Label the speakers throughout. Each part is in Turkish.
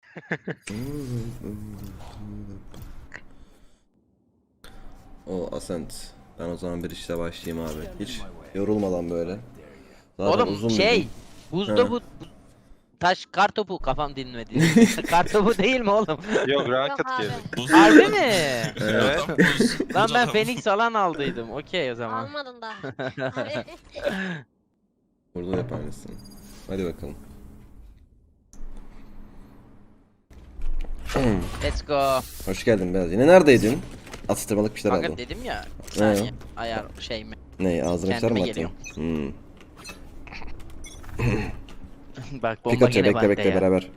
Speaker 1: O Ascent. Ben o zaman bir işle başlayayım abi. Hiç yorulmadan böyle. Zaten
Speaker 2: Oğlum
Speaker 1: uzun
Speaker 2: şey,
Speaker 1: bir gün.
Speaker 2: buzda
Speaker 1: He.
Speaker 2: bu taş kartopu kafam dinmedi. Kartopu değil mi oğlum?
Speaker 3: Yok
Speaker 4: Yok
Speaker 3: Rocket
Speaker 4: abi.
Speaker 3: geldi.
Speaker 5: Buz
Speaker 2: Harbi mi?
Speaker 3: Evet.
Speaker 5: Adam buz.
Speaker 2: Lan
Speaker 5: Buz
Speaker 2: ben
Speaker 5: adam.
Speaker 2: Phoenix alan aldıydım. Okey o zaman.
Speaker 4: Almadın da. Abi.
Speaker 1: Burada yap aynısını. Hadi bakalım.
Speaker 2: Let's go.
Speaker 1: Hoş geldin Beyaz. Yine neredeydin? Atıştırmalık bir şeyler
Speaker 2: Kanka
Speaker 1: aldın.
Speaker 2: dedim ya. Bir saniye. Ayar şey mi?
Speaker 1: Ne ağzına bir şeyler mi
Speaker 2: Kendime
Speaker 1: attın?
Speaker 2: Bak bomba
Speaker 1: Pikachu
Speaker 2: gene
Speaker 1: bekle
Speaker 2: bende
Speaker 1: bekle
Speaker 2: ya.
Speaker 1: beraber.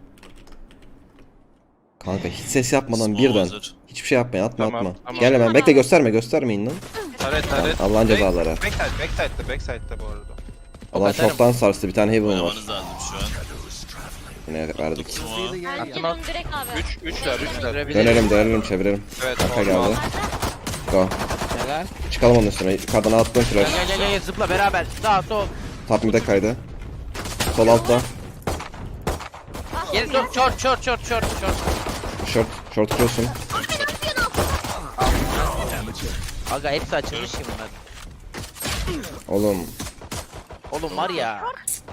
Speaker 1: Kanka hiç ses yapmadan
Speaker 5: Small
Speaker 1: birden.
Speaker 5: hazır.
Speaker 1: Hiçbir şey yapmayın atma
Speaker 3: Tamam,
Speaker 1: atma.
Speaker 3: tamam.
Speaker 1: Gel hemen bekle göstermeyin lan.
Speaker 3: Taret taret.
Speaker 1: Allah'ın cezaları.
Speaker 3: Backside'de bu arada.
Speaker 1: Allah
Speaker 2: atarım.
Speaker 1: çoktan sarstı bir tane Heaven var.
Speaker 5: Oynamanız lazım şu an.
Speaker 1: Yine verdik.
Speaker 5: Smoke'a.
Speaker 4: Ben
Speaker 2: Attım
Speaker 4: geliyorum direkt abi.
Speaker 3: 3'ler.
Speaker 1: Dönelim çevirelim.
Speaker 3: Evet.
Speaker 1: Arka
Speaker 3: normal.
Speaker 1: geldi. Go.
Speaker 2: Helal.
Speaker 1: Çıkalım onun üstüne. Yukarıdan attım
Speaker 2: Gel
Speaker 1: flash.
Speaker 2: gel zıpla beraber. Sağ sol.
Speaker 1: Top mid'e kaydı. Sol altta.
Speaker 2: Geri dur. Short.
Speaker 1: Short cross'un.
Speaker 2: Aga hepsi açılmış ki bunlar.
Speaker 1: Oğlum
Speaker 2: Oğlum var ya.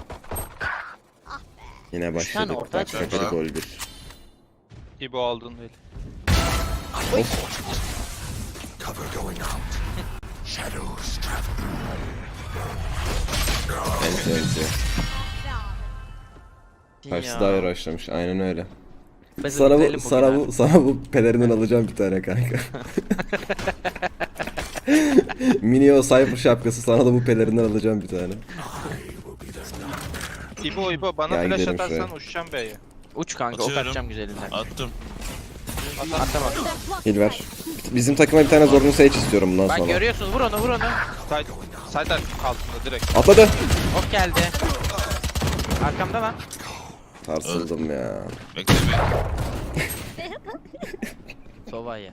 Speaker 1: yine
Speaker 2: tane
Speaker 1: başladık.
Speaker 2: orta
Speaker 1: Bak şaka gol bir.
Speaker 3: İbo aldın değil.
Speaker 1: Enti. Karşısı daha yaraşlamış. Aynen öyle. Sana bu pelerinden alacağım bir tane kanka. Mini o Cypher şapkası sana da bu pelerinden alacağım bir tane.
Speaker 3: İbo bana
Speaker 1: Ya
Speaker 3: flash
Speaker 1: gidelim
Speaker 3: atarsan
Speaker 1: şuraya.
Speaker 3: uçacağım B'ye.
Speaker 2: Uç kanka ok
Speaker 5: Atıyorum.
Speaker 2: atacağım güzelinden.
Speaker 5: Attım.
Speaker 2: Atamadım.
Speaker 1: Hil ver. Bizim takıma bir tane zorunlu Sage istiyorum bundan
Speaker 2: Bak
Speaker 1: sonra.
Speaker 2: görüyorsunuz vur onu.
Speaker 3: Side altında direkt.
Speaker 1: Atladı.
Speaker 2: Ok geldi. Arkamda lan.
Speaker 1: Sarsıldım ya.
Speaker 5: Bekle bir.
Speaker 2: Sova'ya.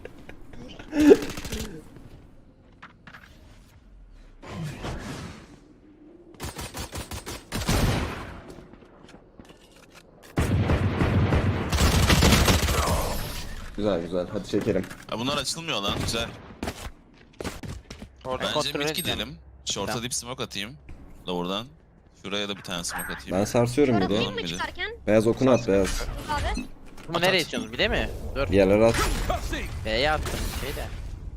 Speaker 1: Güzel hadi çekelim.
Speaker 5: Ha, bunlar açılmıyor lan güzel.
Speaker 3: Orada.
Speaker 5: Bence
Speaker 2: kontrol
Speaker 5: mid
Speaker 2: edeceğim.
Speaker 5: gidelim. Short'a
Speaker 2: Tamam.
Speaker 5: dip smoke atayım. Lower'dan. Şuraya da bir tane smoke atayım.
Speaker 1: Ben sarsıyorum bir
Speaker 4: Orada
Speaker 1: de.
Speaker 4: değil
Speaker 5: Tamam,
Speaker 4: mi
Speaker 5: bir de.
Speaker 4: çıkarken?
Speaker 1: Beyaz okunu at beyaz.
Speaker 4: Abi.
Speaker 2: Bunu nereye istiyorsunuz bir de mi? Dur.
Speaker 1: Bir yerlere at.
Speaker 2: B'ye attım şey de.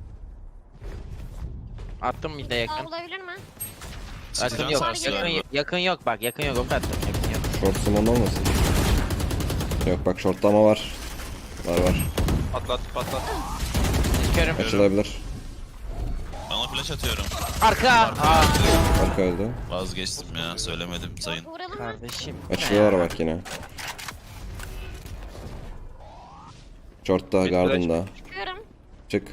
Speaker 2: Attım bir de yakın.
Speaker 4: Daha olabilir mi?
Speaker 2: Yakın
Speaker 5: Sıkacağım
Speaker 2: yok.
Speaker 5: sarsı
Speaker 2: Yakın,
Speaker 5: galiba.
Speaker 2: yakın yok bak yakın yok ok attım. Yakın yok.
Speaker 1: Short summon olmasın? Yok bak shortlama var. Var.
Speaker 3: Patlat.
Speaker 2: Körüm.
Speaker 1: Açılabilir.
Speaker 5: Bana flash atıyorum.
Speaker 2: Arka. Aa.
Speaker 1: Arka öldü.
Speaker 5: Vazgeçtim ya söylemedim sayın.
Speaker 4: Vuralım mı?
Speaker 2: Kardeşim.
Speaker 1: Açılıyorlar bak yine. Short'ta, Garden'da.
Speaker 4: Çıkıyorum.
Speaker 1: Çık.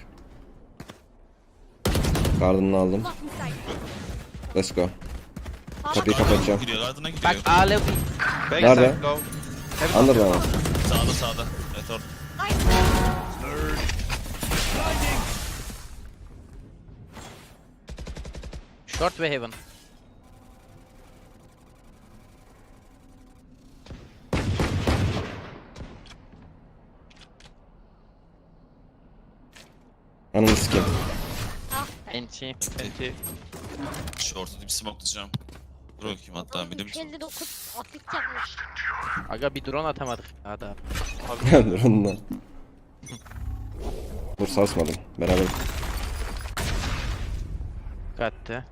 Speaker 1: Garden'ını aldım. Let's go. Kapıyı kapatacağım.
Speaker 5: Gidiyor ardına gidiyor.
Speaker 2: Bak ağlı.
Speaker 1: Nerede?
Speaker 3: Backside low.
Speaker 1: Under'da mı?
Speaker 5: Sağda. Evet orada.
Speaker 2: Short ve heaven.
Speaker 1: Ananı sikeyim.
Speaker 2: Enti.
Speaker 3: Enti.
Speaker 5: Short'a dip smoke atacağım. Dur bakayım hatta bir de bir
Speaker 4: 59 atlet yapmış.
Speaker 2: Aga bir drone atamadık. Hadi.
Speaker 1: Dur onunla. Dur sarsmadım. Beraber.
Speaker 2: Kattı.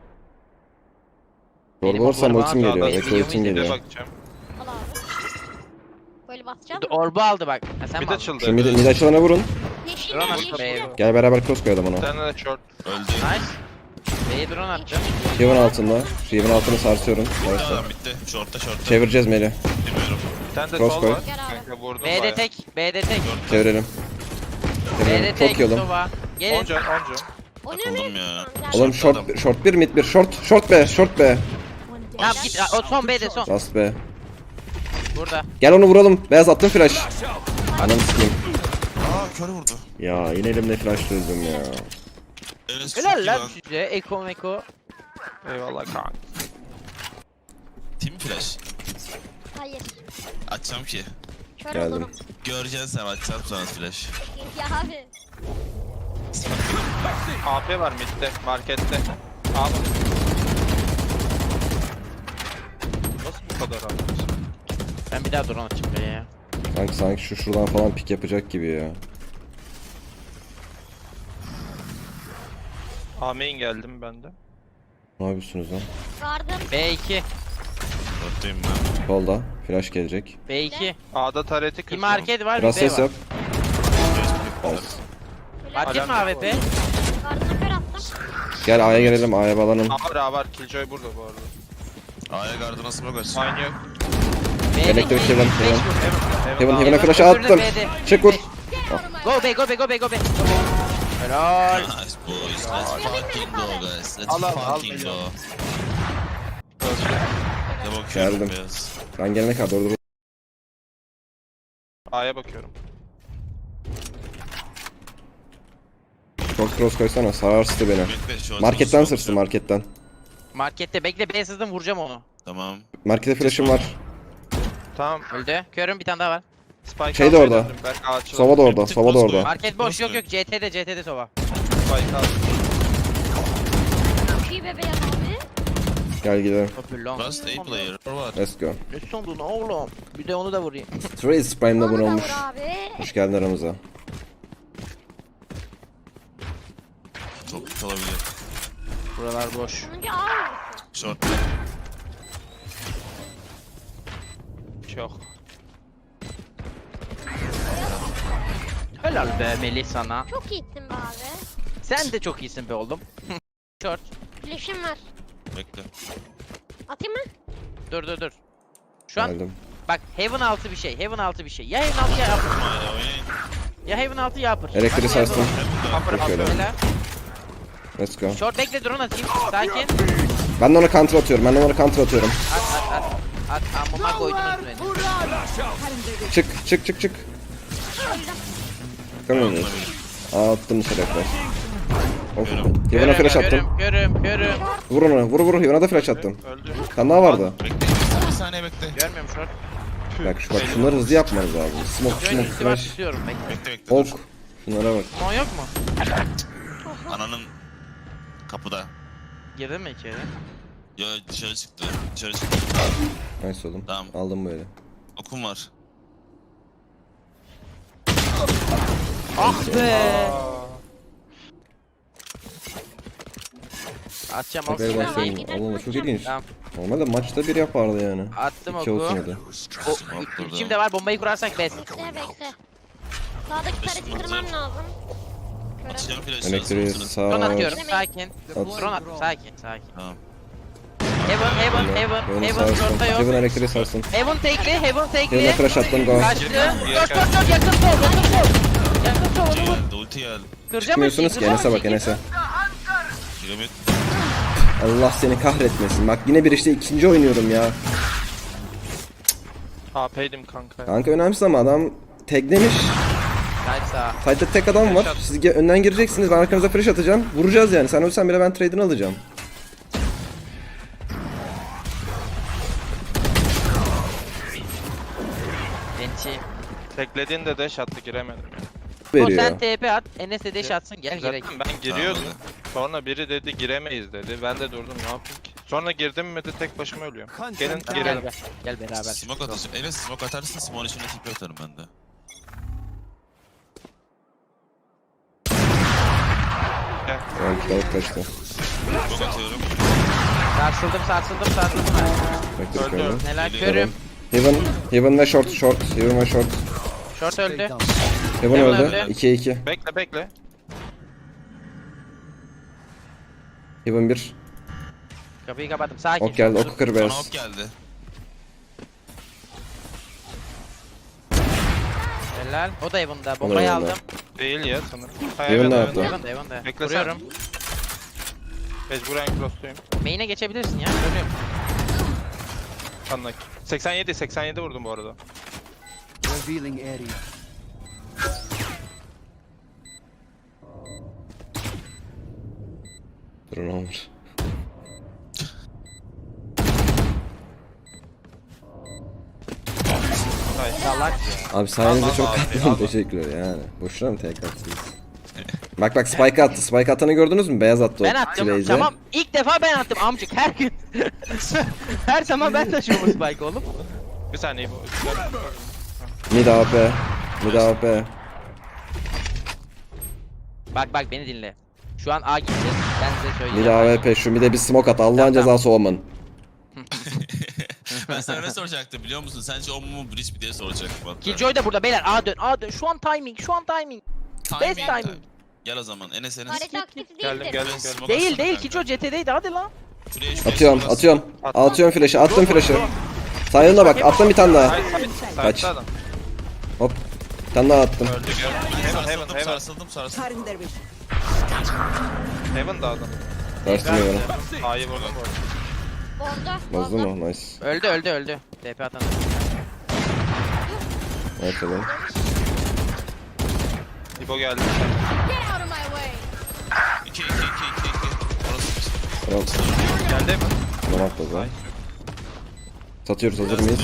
Speaker 1: Zorba
Speaker 2: Benim
Speaker 1: olursam
Speaker 2: oklarım
Speaker 1: ultim
Speaker 2: var,
Speaker 1: geliyor.
Speaker 2: benim
Speaker 1: Bekle ultim
Speaker 2: videomu
Speaker 3: Bir de
Speaker 1: geliyor.
Speaker 3: bakacağım.
Speaker 4: Al abi. Böyle basacağım.
Speaker 2: Orbu aldı bak. Ha, sen
Speaker 3: Mid
Speaker 2: mi aldın?
Speaker 3: açıldı.
Speaker 1: Şu mid açılana vurun.
Speaker 4: Yeşil
Speaker 2: Drone
Speaker 4: mi?
Speaker 2: attı
Speaker 4: Yeşil
Speaker 2: B'ye.
Speaker 4: mi?
Speaker 1: Gel beraber cross koyalım
Speaker 3: Bir
Speaker 1: ona.
Speaker 3: tane de short.
Speaker 5: öldü.
Speaker 2: Nice. B'ye drone attı.
Speaker 1: Riven altında. Şu Riven altını sarsıyorum. Neyse.
Speaker 5: Tamam bitti. Short'ta.
Speaker 1: Çevireceğiz Melih.
Speaker 5: Bilmiyorum.
Speaker 3: Bir tane de
Speaker 1: Cross
Speaker 3: sol
Speaker 1: koy.
Speaker 3: var.
Speaker 4: Gel abi.
Speaker 3: Kanka vurdum
Speaker 2: B'de
Speaker 3: bayağı.
Speaker 2: tek. B'de tek.
Speaker 1: Çevirelim.
Speaker 2: B'de tek.
Speaker 1: Çok yolum.
Speaker 2: Sova. Gelin.
Speaker 3: Onca.
Speaker 4: O ne
Speaker 5: Takıldım
Speaker 4: mi?
Speaker 5: ya.
Speaker 4: Tamam, gel.
Speaker 1: Oğlum short 1 mid 1 short B.
Speaker 2: Tamam git. O son B'de son.
Speaker 1: Last B.
Speaker 2: Burada.
Speaker 1: Gel onu vuralım. Beyaz attım flash. Ananı sikeyim.
Speaker 5: Aa kör vurdu.
Speaker 1: Ya yine elimde flash öldüm ya.
Speaker 5: Enes çok
Speaker 2: Helal
Speaker 5: iyi
Speaker 2: lan
Speaker 5: lan.
Speaker 2: size. Eko meko.
Speaker 3: Eyvallah kanka.
Speaker 5: Team flash.
Speaker 4: Hayır.
Speaker 5: Açacağım ki.
Speaker 4: Kör
Speaker 1: Geldim.
Speaker 4: olurum.
Speaker 5: Göreceksin sen atacağım sonra flash.
Speaker 4: Ya abi.
Speaker 3: AP var midde, markette. Abi. Nasıl bu kadar abi?
Speaker 2: Ben bir daha drone açayım be ya.
Speaker 1: Sanki şuradan falan pik yapacak gibi ya.
Speaker 3: A main geldim ben de.
Speaker 1: Ne yapıyorsunuz lan?
Speaker 4: Vardım.
Speaker 2: B2.
Speaker 5: Dörtteyim ben.
Speaker 1: Solda. Flash gelecek.
Speaker 2: B2.
Speaker 3: A'da tareti
Speaker 2: Bir
Speaker 3: kırdım.
Speaker 2: market var, bir
Speaker 1: Biraz
Speaker 2: B
Speaker 1: ses
Speaker 2: var.
Speaker 1: yok.
Speaker 2: Market mi AWP?
Speaker 4: Vardığına kör attım.
Speaker 1: Gel A'ya gelelim. A'ya bağlanın.
Speaker 3: A var. Killjoy burada bu arada.
Speaker 5: A'ya gardına smoke aç.
Speaker 3: Aynı yok.
Speaker 2: B2.
Speaker 1: Elektrik Heaven. Heaven. Heaven
Speaker 3: Heaven.
Speaker 1: Heaven'a flash
Speaker 2: öbürü de
Speaker 1: attım.
Speaker 2: B'de.
Speaker 1: Çık vur.
Speaker 2: Go B, go B, go B, go B. Helal.
Speaker 5: Nice boys. Let's fucking go guys. Let's
Speaker 3: Al, al,
Speaker 5: fucking go. Ne bakıyorum
Speaker 1: Geldim.
Speaker 5: beyaz.
Speaker 1: Ben gelene kadar dur.
Speaker 3: A'ya bakıyorum.
Speaker 1: Short cross koysana. Sararstı beni.
Speaker 5: Bekle, şu an
Speaker 1: Marketten
Speaker 5: smoke
Speaker 1: sırstı
Speaker 5: atacağım.
Speaker 1: marketten.
Speaker 2: Markette bekle, B sızdım, vuracağım onu.
Speaker 5: Tamam.
Speaker 1: Markete flash'ım var.
Speaker 3: Tamam.
Speaker 2: Öldü. Körüm, bir tane daha var.
Speaker 3: Spike
Speaker 1: Şey de
Speaker 3: almaya
Speaker 1: orada.
Speaker 3: döndüm. Belki ağaçlı.
Speaker 1: Sova da orada.
Speaker 5: Bir tık
Speaker 1: Sova da
Speaker 5: cross
Speaker 1: orada.
Speaker 5: koy.
Speaker 2: Market boş, yok yok, CT'de sova.
Speaker 3: Spike aldım.
Speaker 4: Çok iyi bebeğim abi.
Speaker 1: Gel gidelim.
Speaker 2: Hopper long.
Speaker 5: Last A player. Var.
Speaker 1: Let's go.
Speaker 2: Ne sandın oğlum? Bir de onu da vurayım.
Speaker 1: Trace Prime'da
Speaker 4: Onu
Speaker 1: bunu
Speaker 4: da
Speaker 1: olmuş.
Speaker 4: vur abi.
Speaker 1: Hoş geldin aramıza.
Speaker 5: Çok kötü olabilir.
Speaker 2: Buralar boş.
Speaker 4: Sonuncu A vurursun.
Speaker 5: Short.
Speaker 3: Çok.
Speaker 2: Helal be Melih sana.
Speaker 4: Çok iyisin be abi.
Speaker 2: Sen de çok iyisin be oğlum. Short.
Speaker 4: Flash'im var.
Speaker 5: Bekle.
Speaker 4: Atayım mı?
Speaker 2: Dur. Şu an
Speaker 1: Geldim.
Speaker 2: bak Heaven altı bir şey. Heaven altı bir şey. Ya Heaven altı ya Upper.
Speaker 5: A'ya oynayın.
Speaker 2: Ya Heaven altı ya Upper.
Speaker 1: Elektriği
Speaker 2: Bak,
Speaker 1: sarstım.
Speaker 3: Upper
Speaker 1: Bakıyorum.
Speaker 3: upper.
Speaker 2: Helal.
Speaker 1: Let's go.
Speaker 2: Short bekle drone atayım. Sakin.
Speaker 1: Ben de ona counter atıyorum. Ben de ona counter atıyorum.
Speaker 2: At. Amına koydunuz beni.
Speaker 1: Çık. Çıkamıyoruz. Aa attım dışarı flash. Of. Heaven'a flash attım.
Speaker 2: Görüm.
Speaker 1: Vur onu. Vur. Heaven'a da flash attım.
Speaker 3: Öldü.
Speaker 1: Bir tane daha vardı.
Speaker 5: Bekle. Bir saniye bekle.
Speaker 2: Görmüyorum short.
Speaker 1: Bak şunları hızlı yapmanız lazım. Smoke
Speaker 2: Şöyle üstü var
Speaker 1: flash.
Speaker 2: tutuyorum bekle.
Speaker 5: Bekle.
Speaker 1: Ok.
Speaker 5: Dur.
Speaker 1: Şunlara bak.
Speaker 2: Mon yok mu?
Speaker 5: Ananın kapıda.
Speaker 2: Girdin mi içeri?
Speaker 5: Yo dışarı çıktı. Dışarı çıktı.
Speaker 1: Nice oğlum.
Speaker 5: Tamam.
Speaker 1: Aldım böyle.
Speaker 5: Okum var.
Speaker 2: Ah be. Atacağım
Speaker 1: Tekrar
Speaker 2: olsun.
Speaker 1: başlayalım. Allah çok ilginç.
Speaker 2: Tamam.
Speaker 1: Normalde maçta bir yapardı yani.
Speaker 2: Attım
Speaker 1: 2
Speaker 2: oku.
Speaker 1: olsun ya da.
Speaker 2: O,
Speaker 5: Smoke burada.
Speaker 2: içim de var, bombayı kurarsak best.
Speaker 4: Bekle. Sağdaki tarafı kırmam lazım. Körüm.
Speaker 5: Açacağım flash'ı.
Speaker 1: Elektriği
Speaker 5: Smoke'unu.
Speaker 1: sağ.
Speaker 2: Drone atıyorum, sakin.
Speaker 1: At.
Speaker 2: Drone at, sakin.
Speaker 5: Tamam.
Speaker 2: Heaven,
Speaker 1: Heaven'ı
Speaker 2: Heaven
Speaker 1: sarsın.
Speaker 2: short'ta yok.
Speaker 1: Heaven elektriği sarsın.
Speaker 2: Heaven tekli, Heaven tekli.
Speaker 1: Heaven'a flash attım go.
Speaker 2: Kaçtı. Dur, yakın sol, Yakın sol, onu vur.
Speaker 5: Geldi. Ulti geldi.
Speaker 2: Kıracağım mı?
Speaker 1: Çıkmıyorsunuz ki Enes'e bak Enes'e.
Speaker 5: Piramit.
Speaker 1: Allah seni kahretmesin. Bak yine bir işte ikinci oynuyorum ya.
Speaker 3: AP'ydim kanka.
Speaker 1: Kanka önemsiz ama adam taglemiş.
Speaker 2: Side sağ.
Speaker 1: Side'de tek adam var. Siz önden gireceksiniz. Ben arkanıza flash atacağım. Vuracağız yani. Sen ölsen bile ben trade'ini alacağım.
Speaker 2: Enti.
Speaker 3: Teklediğinde dash attı giremedim ya.
Speaker 2: O
Speaker 1: Veriyor.
Speaker 2: sen TP at, Enes de dash atsın, gel gerek.
Speaker 3: Zaten ben giriyordum.
Speaker 5: Tamam,
Speaker 3: Sonra biri dedi giremeyiz dedi. Ben de durdum ne yapayım ki. Sonra girdim mi de tek başıma ölüyorum. Gelin
Speaker 2: Tamam,
Speaker 3: girelim.
Speaker 2: Gel beraber.
Speaker 5: Smoke atacağım. Enes smoke atarsın. Smoke'un içine tipi atarım ben de.
Speaker 1: Evet, balık kaçtı.
Speaker 5: Smoke atıyorum.
Speaker 2: Sarsıldım.
Speaker 1: Bekle
Speaker 3: Öldü.
Speaker 1: bakalım.
Speaker 2: Neler
Speaker 5: Geliyorum.
Speaker 2: körüm.
Speaker 1: Heaven ve short. Heaven ve short.
Speaker 2: Short öldü.
Speaker 1: Heaven
Speaker 2: Heaven
Speaker 1: öldü.
Speaker 2: öldü.
Speaker 1: 2'ye 2.
Speaker 3: Bekle.
Speaker 1: Heaven 1.
Speaker 2: Kapıyı kapattım, sakin.
Speaker 1: Ok geldi. Oku kır
Speaker 5: Bana
Speaker 1: beyaz.
Speaker 5: ok geldi.
Speaker 2: Helal. O da Heaven'da, bombayı
Speaker 1: Heaven'da.
Speaker 2: aldım.
Speaker 3: Değil ya sanırım.
Speaker 1: Heaven ne yaptı?
Speaker 2: Heaven'da.
Speaker 3: Bekle
Speaker 2: Vuruyorum.
Speaker 3: Mecburen crossluyum.
Speaker 2: Main'e geçebilirsin ya, görüyorum.
Speaker 3: Anlak. 87 vurdum bu arada.
Speaker 6: Revealing area.
Speaker 1: Durun olur.
Speaker 3: Nice.
Speaker 2: Salak ya.
Speaker 1: Abi sayenizde
Speaker 3: Al,
Speaker 1: çok
Speaker 3: al,
Speaker 1: katlandım,
Speaker 3: al.
Speaker 1: teşekkürler yani. Boşuna mı tek attınız? Bak spike attı. Spike atanı gördünüz mü? Beyaz attı o
Speaker 2: Ben attım.
Speaker 1: T-Base'e.
Speaker 2: Tamam. İlk defa ben attım amcık her gün. Her zaman ben taşıyorum bu spike oğlum.
Speaker 3: Bir saniye bu.
Speaker 1: Mid AP. Mid AP.
Speaker 2: Bak beni dinle. Şu an A gideceğiz. Ben size
Speaker 1: Mid
Speaker 2: söyleyeceğim.
Speaker 1: AWP şu mid'e bir smoke at. Allah'ın
Speaker 2: Tamam.
Speaker 1: cezası olman.
Speaker 5: Ben sana ne soracaktım biliyor musun? Sence o mu bridge mi diye soracaktım hatta.
Speaker 2: Killjoy da burada beyler. A dön. A dön. Şu an timing. Best timing.
Speaker 5: Gel o zaman Enes Enes.
Speaker 4: Harita aktif
Speaker 3: Geldim
Speaker 4: değildir.
Speaker 3: geldim.
Speaker 5: Smoke
Speaker 2: Değil
Speaker 5: atsana
Speaker 2: değil.
Speaker 5: kanka.
Speaker 2: Killjoy CT'deydi. Hadi lan.
Speaker 5: Şuraya
Speaker 1: Atıyorum
Speaker 5: smoke
Speaker 1: atıyorum.
Speaker 3: Attım.
Speaker 1: Atıyorum flash'ı. Attım flash'ı. Sayına bak. Attım bir tane daha. Kaç.
Speaker 3: Kaç. Adam.
Speaker 1: Hop. Bir tane daha attım.
Speaker 3: Öldü gör. Heaven
Speaker 5: atsana.
Speaker 3: Heaven
Speaker 5: Sarsıldım
Speaker 3: Heaven.
Speaker 5: sarsıldım.
Speaker 3: Heaven da adam.
Speaker 1: Karşıma bana.
Speaker 3: A'yı vurdum bu arada.
Speaker 4: Bozdu.
Speaker 1: Bozdu mu? Nice.
Speaker 2: Öldü. TP atan.
Speaker 1: Evet tamam.
Speaker 3: İbo geldi.
Speaker 5: 2 Orası
Speaker 1: Tamam.
Speaker 3: Geldi mi?
Speaker 1: Tamam atladı. Satıyoruz, hazır mıyız?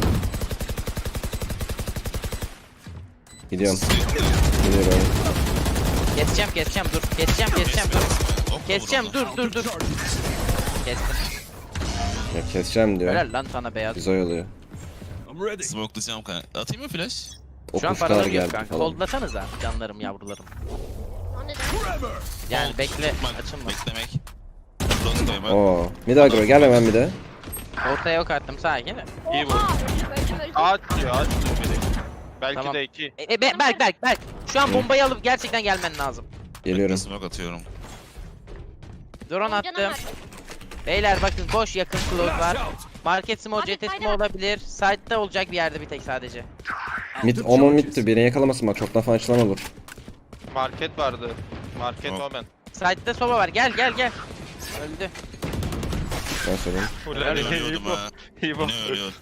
Speaker 1: Gidiyorum. Gidiyorum.
Speaker 2: Keseceğim dur. Keseceğim dur. Kestim.
Speaker 1: Ya keseceğim diyor.
Speaker 2: Helal lan sana beyaz.
Speaker 1: Biz oyalıyor.
Speaker 5: Smoke'layacağım kanka. Atayım mı flash?
Speaker 1: O
Speaker 2: Şu an
Speaker 1: kuşlar
Speaker 2: paralarım yok
Speaker 1: geldi
Speaker 2: kanka.
Speaker 1: falan.
Speaker 2: Kollasanıza canlarım yavrularım.
Speaker 4: O neden?
Speaker 2: Yani bekle
Speaker 5: Tutmak,
Speaker 2: açılma.
Speaker 5: beklemek. Cross koymak.
Speaker 1: Oo. Mid agro gel hemen bir de.
Speaker 2: Ortaya yok attım sakin.
Speaker 3: İyi vurdu.
Speaker 4: Öldüm.
Speaker 3: Ağaç diyor biri. Belki
Speaker 2: Tamam.
Speaker 3: de 2.
Speaker 2: Berk. Şu an bombayı alıp gerçekten gelmen lazım.
Speaker 1: Geliyorum.
Speaker 5: Smoke atıyorum.
Speaker 2: Drone attım. Beyler bakın boş yakın close var. Market smoke,
Speaker 4: Abi,
Speaker 2: CT smoke
Speaker 4: kaydı.
Speaker 2: olabilir. Side'da olacak bir yerde bir tek sadece.
Speaker 1: Mid, Omen mid'tir. Beni yakalamasın bak. Çoktan falan açılan olur.
Speaker 3: Market vardı. Market
Speaker 5: Tamam.
Speaker 3: Omen.
Speaker 2: Side'da soba var. Gel. Öldü.
Speaker 1: Ben söyleyeyim.
Speaker 5: Ben ölüyordum ha.
Speaker 3: İbo.
Speaker 5: Ne ölüyor?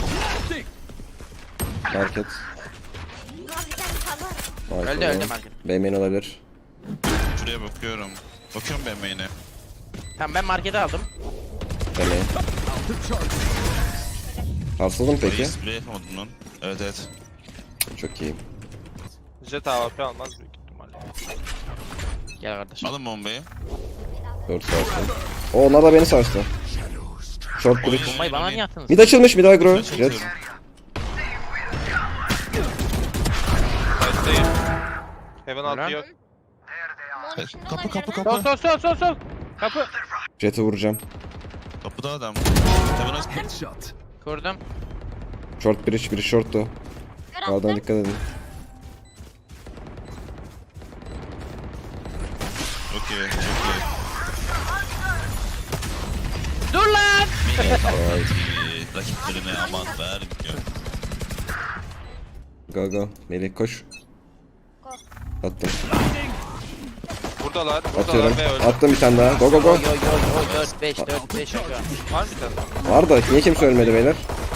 Speaker 1: Market.
Speaker 4: Abi sen kalır.
Speaker 2: Öldü market.
Speaker 1: B'main olabilir.
Speaker 5: Şuraya bakıyorum. Bakıyorum ben main'e.
Speaker 2: Tamam ben markete aldım.
Speaker 1: B'main. Sarsıldın peki.
Speaker 5: Peki. Spray yapamadım lan. Evet.
Speaker 1: Çok iyi.
Speaker 3: Jet AWP almaz büyük ihtimalle.
Speaker 2: Gel kardeşim.
Speaker 5: Alın bombayı.
Speaker 1: 4 sarstı. O onlar da beni sarstı. Short bridge.
Speaker 2: Bombayı bana niye attınız?
Speaker 1: Mid açılmış, mid agro.
Speaker 5: Flash
Speaker 1: Jet.
Speaker 5: atıyorum.
Speaker 3: Sight'tayım. Heaven
Speaker 2: Ulan.
Speaker 3: altı yok.
Speaker 4: Mon içinde
Speaker 5: Kapı,
Speaker 4: olabilir
Speaker 5: kapı,
Speaker 4: mi?
Speaker 5: kapı.
Speaker 2: Sol. Kapı.
Speaker 1: Jet'i vuracağım.
Speaker 5: Kapıda adam. Hemen aç.
Speaker 6: Headshot.
Speaker 2: Kurdum.
Speaker 1: Short bridge, biri short'tu.
Speaker 4: Kör
Speaker 1: Sağdan
Speaker 4: attım.
Speaker 1: dikkat edin.
Speaker 5: Çok iyi.
Speaker 2: Dur lan!
Speaker 1: Vay.
Speaker 5: Rakiplerine aman vermiyor.
Speaker 1: Go. Melih koş. Attım.
Speaker 3: Buradalar.
Speaker 1: Atıyorum.
Speaker 3: Buradalar ve öldü.
Speaker 1: Attım bir tane daha. Go.
Speaker 2: Yo 4 5 şu an.
Speaker 3: Var mı bir tane?
Speaker 1: Var da niye kimse ölmedi beyler?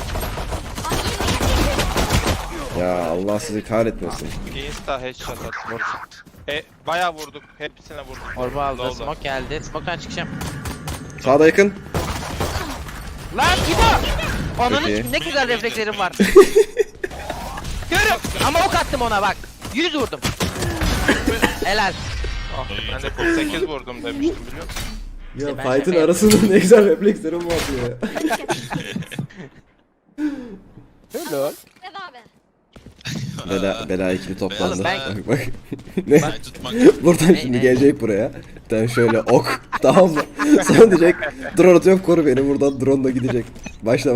Speaker 1: Ya Allah sizi kahretmesin.
Speaker 3: Insta headshot attı. Bayağı vurduk. Hepsine vurduk.
Speaker 2: Orba aldı.
Speaker 3: Low'da.
Speaker 2: Smoke geldi. Smoke'tan çıkacağım.
Speaker 1: Sağda yakın.
Speaker 2: Lan İbo!
Speaker 1: Çok
Speaker 2: Onun
Speaker 1: iyi.
Speaker 2: ne güzel reflekslerim var. Görüm. Ama ok attım ona bak. 100 vurdum. Helal.
Speaker 3: Ah, ben de 48 vurdum demiştim biliyor musun?
Speaker 1: Ya
Speaker 2: ben
Speaker 1: fight'ın
Speaker 2: şaka
Speaker 1: arasında ne güzel reflekslerim var ya.
Speaker 2: Helal.
Speaker 4: Evet abi.
Speaker 1: Bela ikili toplandı.
Speaker 5: Beyaz
Speaker 1: Bak. Ne?
Speaker 5: Say tutmak.
Speaker 1: Buradan şimdi gelecek buraya. Bir tane şöyle ok. Tamam mı? Sonra diyecek drone atıyorum koru beni. Buradan drone da gidecek. Başla.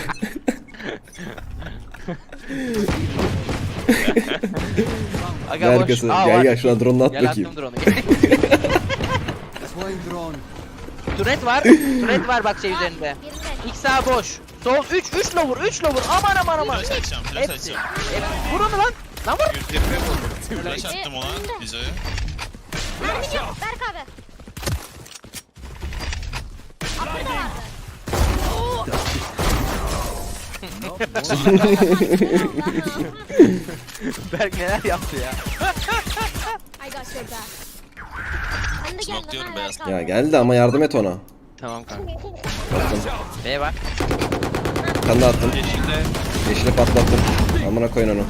Speaker 2: Aga
Speaker 1: Ne
Speaker 2: boş.
Speaker 1: arkası?
Speaker 2: Aa,
Speaker 1: Gel
Speaker 2: var.
Speaker 1: gel şuradan drone'unu at
Speaker 2: Gel
Speaker 1: bakayım.
Speaker 2: attım drone'u.
Speaker 6: Deploying drone.
Speaker 2: Turret var bak şey üzerinde.
Speaker 4: Birinde.
Speaker 2: İlk sağ boş. Sol 3 lower. Aman.
Speaker 5: Flash açacağım.
Speaker 2: Hepsi. Vur onu lan. Lan vur.
Speaker 3: 120 vurdum.
Speaker 5: Flash attım ona. Bizo'ya.
Speaker 4: Mermi yok. Berk abi. Atlı da vardı.
Speaker 2: Berk neler yaptı ya.
Speaker 4: I got your back. Sen de
Speaker 5: Smoke
Speaker 4: geldin
Speaker 5: diyorum
Speaker 4: ha
Speaker 5: beyaz.
Speaker 4: Berk abi.
Speaker 1: Ya geldi ama yardım et ona.
Speaker 2: Tamam kanka.
Speaker 1: Attım.
Speaker 2: B var.
Speaker 1: Bir tane daha attım.
Speaker 3: Yeşilde.
Speaker 1: Yeşili patlattım. Amına koyun onu.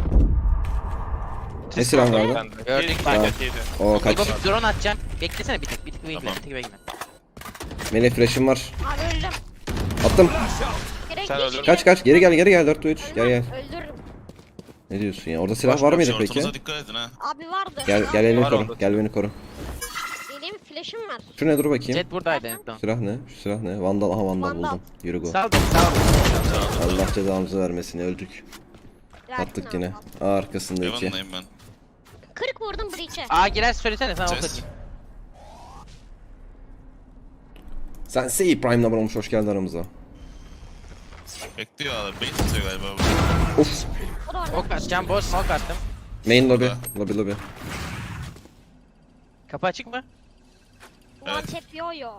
Speaker 1: Ne silahın vardı?
Speaker 3: Bende.
Speaker 2: Gördük.
Speaker 3: Tamam.
Speaker 1: O kaç.
Speaker 2: İbo bir drone atacağım. Beklesene bir tık bekle.
Speaker 5: Tamam.
Speaker 2: Bir tık bekle.
Speaker 1: Melih flash'ım var.
Speaker 4: Abi öldüm.
Speaker 1: Attım.
Speaker 4: Direkt
Speaker 3: Sen
Speaker 4: geç.
Speaker 3: öldün.
Speaker 1: Kaç. Geri gel 4 3. Gel gel.
Speaker 4: Öldürürüm.
Speaker 1: Ne diyorsun ya? Orada silah var mıydı peki?
Speaker 5: Shortunuza dikkat edin ha.
Speaker 4: Abi vardı.
Speaker 1: Gel beni
Speaker 3: Var
Speaker 1: koru.
Speaker 3: orada.
Speaker 1: Gel beni koru.
Speaker 4: Benim flash'ım var.
Speaker 1: Şu ne dur bakayım.
Speaker 2: Jet buradaydı. Tamam.
Speaker 1: Silah ne? Şu silah ne? Vandal. Aha Vandal
Speaker 4: Vandal.
Speaker 1: buldum. Yürü go.
Speaker 2: Sağ ol. Sağ ol.
Speaker 1: Allah cezamızı vermesin. Öldük. Attık yine. Aa, arkasında iki.
Speaker 5: Yavanındayım ben.
Speaker 4: 40 vurdum breach'e.
Speaker 2: Aa girer söylesene sana ok
Speaker 5: Ses.
Speaker 2: atayım.
Speaker 1: Sen Sei Prime number olmuş. Hoş geldin aramıza.
Speaker 5: Bekliyor abi. Bait atıyor galiba bu.
Speaker 1: Uf.
Speaker 4: O da orada.
Speaker 2: Ok atacağım. Boş smoke attım.
Speaker 1: Main lobby.
Speaker 5: Burada.
Speaker 1: Lobby.
Speaker 2: Kapı açık mı?
Speaker 4: One tap yo yo.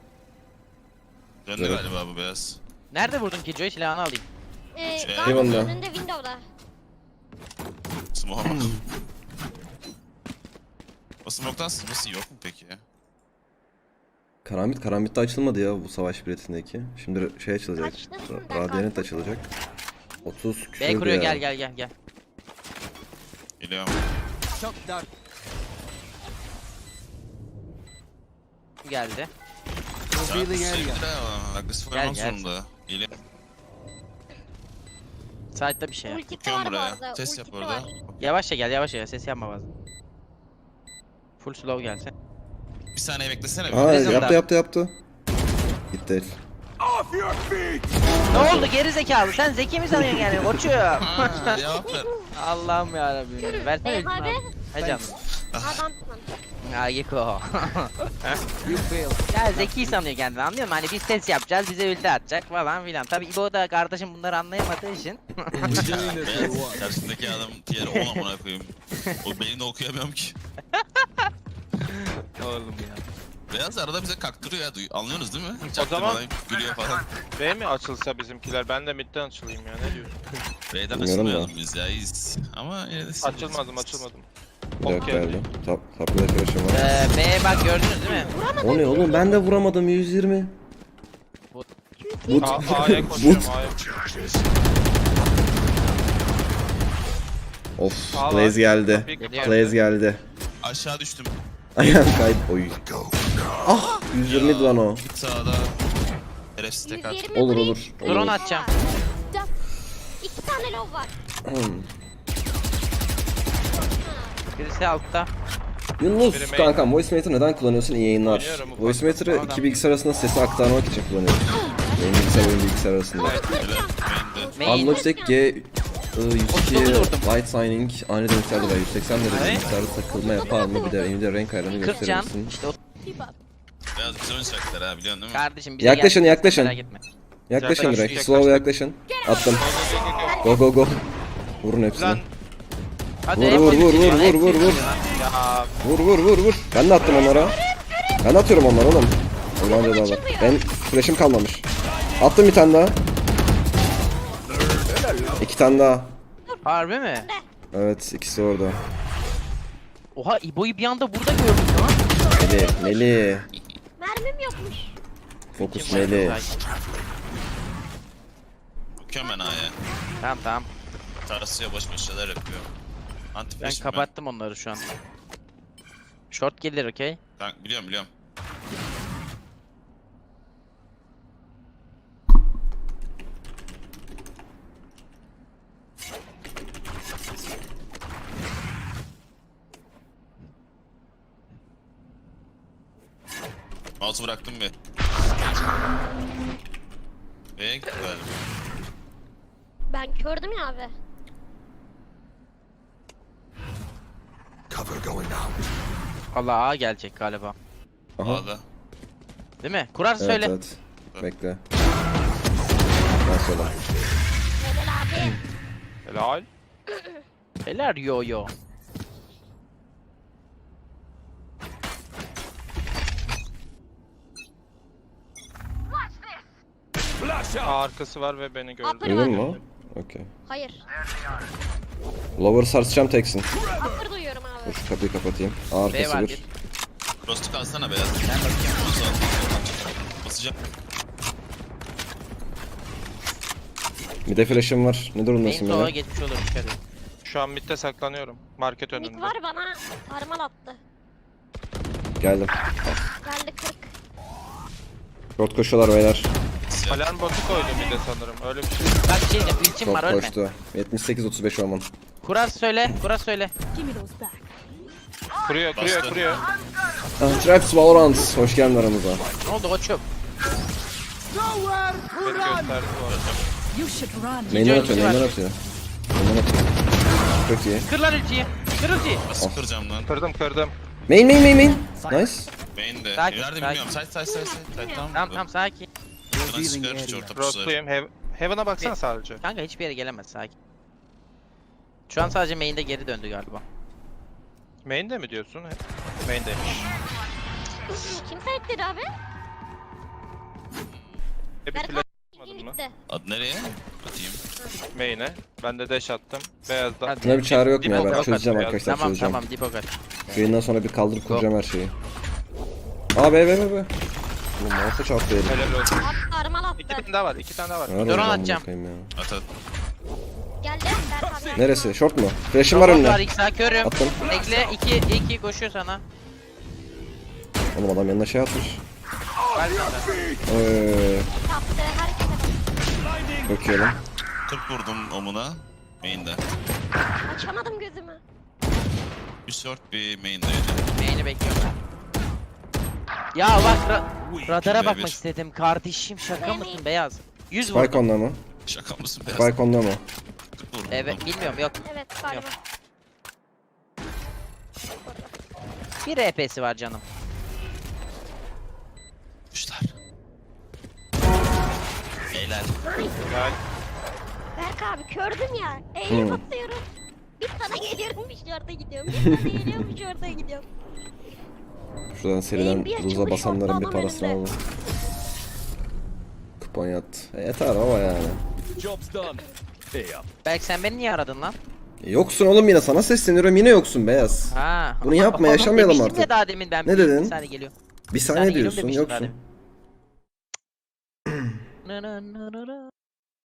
Speaker 5: Döndü
Speaker 1: Evet.
Speaker 5: galiba bu beyaz.
Speaker 2: Nerede vurdun ki Joy silahını alayım.
Speaker 1: Eyvallah.
Speaker 4: Garden önünde window'da.
Speaker 5: Smoke. O smoke'tan sızması yok mu peki ya?
Speaker 1: Karambit de açılmadı ya bu savaş biletindeki. Şimdi şey açılacak.
Speaker 4: Açtın.
Speaker 1: Radiant açılacak. 30
Speaker 2: B
Speaker 1: küsürdü
Speaker 2: kuruyor
Speaker 1: ya.
Speaker 2: gel.
Speaker 5: Geliyorum.
Speaker 6: Shock dart.
Speaker 2: Geldi.
Speaker 6: Revealing area.
Speaker 5: Sevgili ha. Agresif
Speaker 2: Gel,
Speaker 5: oynamak
Speaker 2: gel.
Speaker 5: zorunda. Geliyorum.
Speaker 2: Site'da bir şey.
Speaker 4: Ultisi
Speaker 5: Bakıyorum
Speaker 4: var bu
Speaker 5: buraya.
Speaker 4: arada.
Speaker 5: Ses yap
Speaker 4: ultisi
Speaker 5: orada.
Speaker 4: var.
Speaker 2: Yavaşça gel. Ses yapma bazen. Full slow gelsin.
Speaker 5: Bir saniye beklesene.
Speaker 1: Aa
Speaker 2: Prison'da.
Speaker 1: yaptı. Gitti herif.
Speaker 2: Ne oldu geri zekalı? Sen zeki mi sanıyorsun yani koçum?
Speaker 5: Ha, cevap ver.
Speaker 2: Allah'ım yarabbim. Versene
Speaker 4: Bey
Speaker 2: bir
Speaker 4: abi.
Speaker 2: He canım.
Speaker 4: Adamsın.
Speaker 2: Ya Geko.
Speaker 6: You failed.
Speaker 2: Ya zeki sanıyor kendini anlıyor musun? Hani biz ses yapacağız bize ulti atacak falan filan. Tabi İbo da kardeşim bunları anlayamadığı için.
Speaker 5: Beyaz. Karşısındaki adam tier 10 amına koyayım. O beynini okuyamıyorum ki.
Speaker 2: Oğlum ya.
Speaker 5: Beyaz arada bize kaktırıyor ya. Anlıyorsunuz değil mi?
Speaker 3: zaman-
Speaker 5: Çaktırmadan gülüyor falan.
Speaker 3: B mi açılsa bizimkiler? Ben de midden açılayım ya. Ne diyorsun?
Speaker 5: B'den
Speaker 1: Bilmiyorum da.
Speaker 5: açılmayalım biz ya. iyiyiz. Ama yine de
Speaker 3: Açılmadım.
Speaker 1: Bir dakika
Speaker 3: Ok
Speaker 1: geldi.
Speaker 3: geldi.
Speaker 1: Taplı flash'ım var.
Speaker 2: B bak gördünüz değil mi?
Speaker 1: O ne oğlum ben de vuramadım 120. But.
Speaker 3: A'ya koşuyorum. A'ya.
Speaker 1: Of
Speaker 3: Aa,
Speaker 1: Blaze geldi.
Speaker 3: Kapıyı kapat.
Speaker 1: Blaze geldi.
Speaker 5: Aşağı düştüm.
Speaker 1: Ayağım kaydı. Oy. Ah 120 lan o.
Speaker 5: Bir sağda. Şerefsiz tek at.
Speaker 4: 120
Speaker 1: Olur
Speaker 4: breach.
Speaker 1: olur.
Speaker 2: Drone
Speaker 1: olur.
Speaker 2: atacağım.
Speaker 4: 2 tane low var.
Speaker 2: Birisi altta.
Speaker 1: Yunus
Speaker 3: Biri main.
Speaker 1: kankam Voicemater'ı neden kullanıyorsun? İyi yayınlar.
Speaker 3: Oynuyorum ufak.
Speaker 1: Voicemater'ı
Speaker 2: Adam.
Speaker 1: iki bilgisayar arasında sesi aktarmak için kullanıyorum. Benim bilgisayar oyun bilgisayar arasında.
Speaker 5: Main'de.
Speaker 2: Main.
Speaker 1: Unlogitech G 102
Speaker 2: 39 vurdum.
Speaker 1: Light Signing aynı dönüşlerde var. 180 derece
Speaker 2: Evet.
Speaker 1: bilgisayarda takılma yapar mı? Bir de elimde renk ayarını
Speaker 2: 40 can.
Speaker 1: gösterir misin?
Speaker 2: İşte o
Speaker 5: Beyaz güzel oynayacaklar ha biliyorsun değil mi?
Speaker 2: kardeşim bize
Speaker 1: Yaklaşın,
Speaker 2: geldi.
Speaker 1: yaklaşın.
Speaker 2: Merak etme.
Speaker 1: Yaklaşın
Speaker 3: Yaklaştık,
Speaker 1: direkt.
Speaker 3: yaklaştık.
Speaker 1: Slow yaklaşın. Attım. Go go go. Vurun hepsini.
Speaker 3: Lan
Speaker 2: Hadi
Speaker 1: Vur,
Speaker 2: hep
Speaker 1: vur,
Speaker 2: hepsi
Speaker 1: vur,
Speaker 2: geliyor,
Speaker 1: vur,
Speaker 2: hepsi
Speaker 1: vur, vur.
Speaker 2: geliyor.
Speaker 3: ya.
Speaker 1: Vur. Ben de attım onlara. Ben de atıyorum onlara oğlum. Allah'ın cezalar. Ben flash'im kalmamış. Attım bir tane daha. 2 tane daha.
Speaker 2: Harbi mi?
Speaker 1: Evet ikisi orada.
Speaker 2: Oha İbo'yu bir anda burada gördüm lan.
Speaker 1: Meli.
Speaker 4: Mermim yokmuş.
Speaker 1: Fokus Meli.
Speaker 5: Bakıyorum ben A'ya.
Speaker 2: Tamam.
Speaker 5: Tarasıya boş boş şeyler yapıyor. Anti
Speaker 2: Ben
Speaker 5: flash'im
Speaker 2: kapattım onları şu an. Short gelir okey.
Speaker 5: Ben biliyorum. Mouse'u bıraktım bir. B'ye gitti galiba.
Speaker 4: Ben kördüm ya abi.
Speaker 2: Allah A gelecek galiba.
Speaker 1: Aha.
Speaker 5: A'da.
Speaker 2: Değil mi? Kurar
Speaker 1: Evet
Speaker 2: söyle.
Speaker 1: evet. Bekle. Ben sola.
Speaker 4: Helal abi.
Speaker 3: Helal.
Speaker 2: Helal yo.
Speaker 3: A arkası var ve beni gördü.
Speaker 4: Upper
Speaker 1: Duydun
Speaker 4: var.
Speaker 1: mu? Okey.
Speaker 4: Hayır.
Speaker 1: Lower sarsacağım teksin.
Speaker 4: Upper duyuyorum abi.
Speaker 1: Dur şu kapıyı kapatayım.
Speaker 2: B
Speaker 1: Arkası
Speaker 2: var
Speaker 1: bir.
Speaker 2: bir.
Speaker 5: Frost'u kalsana beyaz.
Speaker 2: Ben bakıyorum.
Speaker 5: atacağım.
Speaker 1: Bir de flash'ım var. Ne durumdasın
Speaker 2: Main sola
Speaker 1: böyle?
Speaker 2: geçmiş olur dikkat et.
Speaker 3: Şu an midde saklanıyorum. Market
Speaker 4: Mid
Speaker 3: önünde.
Speaker 4: var bana sarmal attı.
Speaker 1: Geldim.
Speaker 4: Geldi 40.
Speaker 1: Short koşuyorlar beyler.
Speaker 3: Alarm botu koydu midde sanırım. Öyle bir şey.
Speaker 2: Bak bir şey diyeceğim. Ultim var
Speaker 1: Short
Speaker 2: ölme.
Speaker 1: koştu. 78-35 Oman.
Speaker 2: Kurar söyle. Kurar söyle.
Speaker 3: Kuruyor,
Speaker 5: Bastı.
Speaker 3: kuruyor.
Speaker 1: Traps Valorant. Hoş geldin aramıza.
Speaker 2: Ne oldu koçum?
Speaker 3: Beni gösterdi bu arada.
Speaker 1: Main'den
Speaker 2: Önce
Speaker 1: atıyor,
Speaker 2: ulti
Speaker 1: main'den
Speaker 2: var.
Speaker 1: atıyor. Main'den atıyor. Çok iyi.
Speaker 2: Kır lan ultiyi. Kır ultiyi.
Speaker 5: Nasıl kıracağım lan?
Speaker 3: Kırdım.
Speaker 1: Main. Nice.
Speaker 5: Beyin de.
Speaker 2: Sakin,
Speaker 5: Nerede
Speaker 2: sakin.
Speaker 5: bilmiyorum. Side. Tamam.
Speaker 2: Tamam sakin.
Speaker 5: Buradan çıkar hiç orta pusuları.
Speaker 3: Rostlayayım. Heaven'a baksana sadece.
Speaker 2: Kanka hiçbir yere gelemez sakin. Şu an sadece main'de geri döndü galiba.
Speaker 3: Main'de mi diyorsun? Main'deymiş.
Speaker 4: Kim sahipleri abi?
Speaker 3: Bir
Speaker 4: Berkan
Speaker 3: flash
Speaker 4: ilgin
Speaker 3: atmadın mı?
Speaker 4: gitti.
Speaker 5: Ad nereye? Atayım.
Speaker 3: Main'e. Ben de dash attım. Beyazda.
Speaker 2: Hadi.
Speaker 1: Buna bir çare yok mu ya?
Speaker 3: Dip
Speaker 1: Ben
Speaker 3: ok
Speaker 1: çözeceğim
Speaker 3: at,
Speaker 1: arkadaşlar,
Speaker 2: Tamam
Speaker 1: çözeceğim.
Speaker 2: tamam dip ok at.
Speaker 1: Yayından sonra bir kaldırıp kuracağım her şeyi. Aa be. Oğlum mouse'a çarptı elim.
Speaker 3: Helal olsun.
Speaker 4: Abi sarmal attı.
Speaker 3: İki tane daha var. İki tane daha var.
Speaker 1: Nerede
Speaker 2: Drone
Speaker 1: olacağım bunu
Speaker 2: atacağım.
Speaker 1: bakayım ya?
Speaker 5: At.
Speaker 4: Geldi. Berkan abi.
Speaker 1: Neresi? Short mu? Flash'ım var
Speaker 2: Robot var
Speaker 1: önüne.
Speaker 2: X'a körüm.
Speaker 1: Attım.
Speaker 2: Bekle 2 koşuyor sana.
Speaker 1: Oğlum adam yanına şey atmış.
Speaker 2: Var sana.
Speaker 4: Kaptı. Herkese bak.
Speaker 1: Çok iyi lan.
Speaker 5: 40 vurdum omuna. Main'de.
Speaker 4: Açamadım gözümü.
Speaker 5: Bir short bir main'deydi.
Speaker 2: Main'i bekliyorum ben. Ya bak radara
Speaker 5: Şuraya
Speaker 2: bakmak
Speaker 5: bir.
Speaker 2: istedim kardeşim şaka mısın beyaz? 100
Speaker 1: Spike
Speaker 2: vurdum.
Speaker 1: onda mı?
Speaker 5: Şaka mısın beyaz?
Speaker 1: Spike onda mı?
Speaker 5: 40 vurdum.
Speaker 2: Evet bilmiyorum yok.
Speaker 4: Evet galiba.
Speaker 2: Bir RP'si var canım.
Speaker 5: Kuşlar. Beyler.
Speaker 3: Gel.
Speaker 4: Berk abi kördüm ya. Eğilip atıyorum. Bir sana geliyorum bir şorta gidiyorum. Bir sana geliyorum bir şorta gidiyorum.
Speaker 1: Şuradan seriden
Speaker 4: bir
Speaker 1: ruza
Speaker 4: açılmış
Speaker 1: basanların bir
Speaker 4: orta adam
Speaker 1: parasını
Speaker 4: önünde.
Speaker 1: alalım. Kupon yat. Yeter baba yani.
Speaker 2: Belki sen beni niye aradın lan?
Speaker 1: Yoksun oğlum yine, sana sesleniyorum, yine yoksun beyaz.
Speaker 2: Ha.
Speaker 1: Bunu yapma,
Speaker 2: Oğlum
Speaker 1: yaşamayalım
Speaker 2: demiştim
Speaker 1: artık.
Speaker 2: ya daha demin ben.
Speaker 1: Ne
Speaker 2: bir
Speaker 1: dedin?
Speaker 2: saniye geliyorum.
Speaker 1: Bir
Speaker 2: saniye
Speaker 1: saniye
Speaker 2: geliyorum
Speaker 1: diyorsun,
Speaker 2: demiştim daha
Speaker 1: yoksun.
Speaker 2: demin.